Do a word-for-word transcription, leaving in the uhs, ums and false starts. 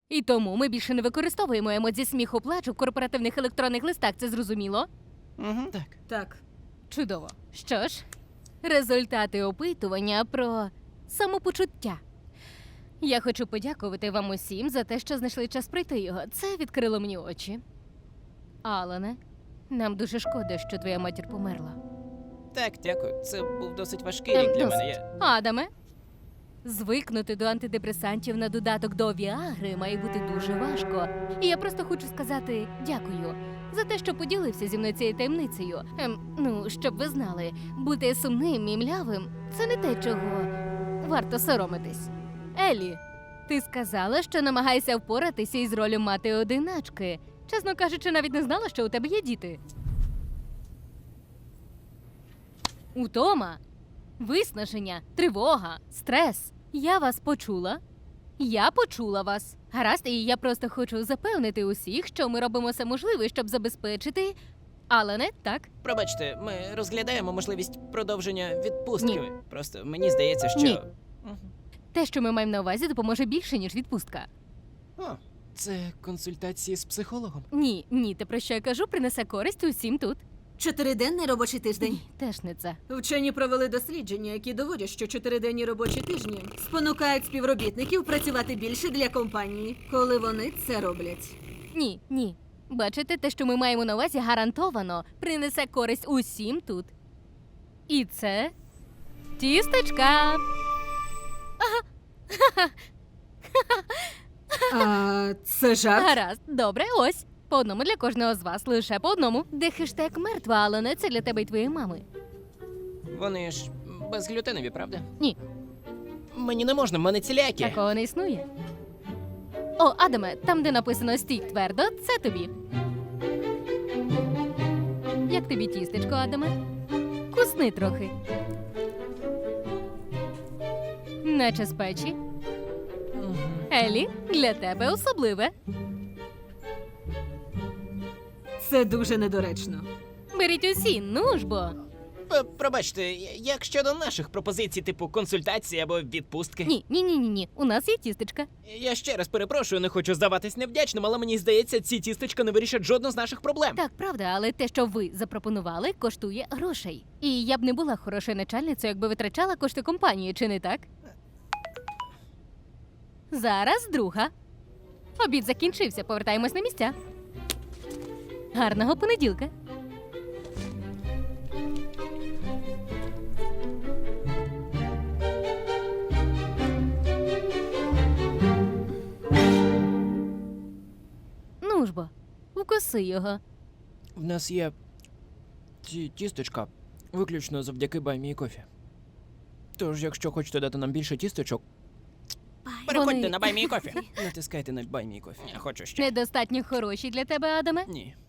І тому ми більше не використовуємо емодзі сміху плачу в корпоративних електронних листах, це зрозуміло? Угу. Так. Так. Чудово. Що ж, результати опитування про самопочуття. Я хочу подякувати вам усім за те, що знайшли час пройти його. Це відкрило мені очі. Алане, нам дуже шкода, що твоя матір померла. Так, дякую. Це був досить важкий Ем, рік для досить. мене. Я... Адаме, звикнути до антидепресантів на додаток до Віагри має бути дуже важко. І я просто хочу сказати дякую за те, що поділився зі мною цією таємницею. Ем, ну, щоб ви знали, бути сумним і млявим – це не те, чого варто соромитись. Еллі, ти сказала, що намагаєшся впоратися із ролью мати-одиначки. Чесно кажучи, навіть не знала, що у тебе є діти. Утома, виснаження, тривога, стрес. Я вас почула. Я почула вас. Гаразд, і я просто хочу запевнити усіх, що ми робимо все можливе, щоб забезпечити. Але не так. Пробачте, ми розглядаємо можливість продовження відпустки. Ні. Просто мені здається, що. Ні. Мгм. Те, що ми маємо на увазі, допоможе більше, ніж відпустка. О, це консультації з психологом. Ні, ні, те, про що я кажу, принесе користь усім тут. Чотириденний робочий тиждень. Ні, теж не це. Вчені провели дослідження, які доводять, що чотириденні робочі тижні спонукають співробітників працювати більше для компанії, коли вони це роблять. Ні, ні. Бачите, те, що ми маємо на увазі, гарантовано принесе користь усім тут. І це тістечка. А це жарт? Гаразд, добре, ось. По одному для кожного з вас, лише по одному. Де хештег мертва, але не це для тебе і твоєї мами. Вони ж безглютенові, правда? Ні. Мені не можна, в мене цілякі. Такого не існує. О, Адаме, там, де написано «стій твердо», це тобі. Як тобі тістечко, Адаме? Кусни трохи. Наче з печі. Мгм. Елі, для тебе особливе. Це дуже недоречно. Беріть усі, ну ж бо. П- Пробачте, я- як щодо наших пропозицій, типу консультації або відпустки? Ні, ні, ні, ні, ні. У нас є тістечка. Я ще раз перепрошую, не хочу здаватись невдячним, але мені здається, ці тістечка не вирішать жодну з наших проблем. Так, правда, але те, що ви запропонували, коштує грошей. І я б не була хорошою начальницею, якби витрачала кошти компанії, чи не так? Зараз друга. Обід закінчився, повертаємось на місця. Гарного понеділка. Ну ж бо, укуси його. В нас є ті тістечка виключно завдяки баймі і кофі. Тож, якщо хочете дати нам більше тістечок, переходьте Вони- на баймі і кофі. Натискайте на баймі і кофі. Я хочу ще. Недостатньо хороші для тебе, Адаме? Ні.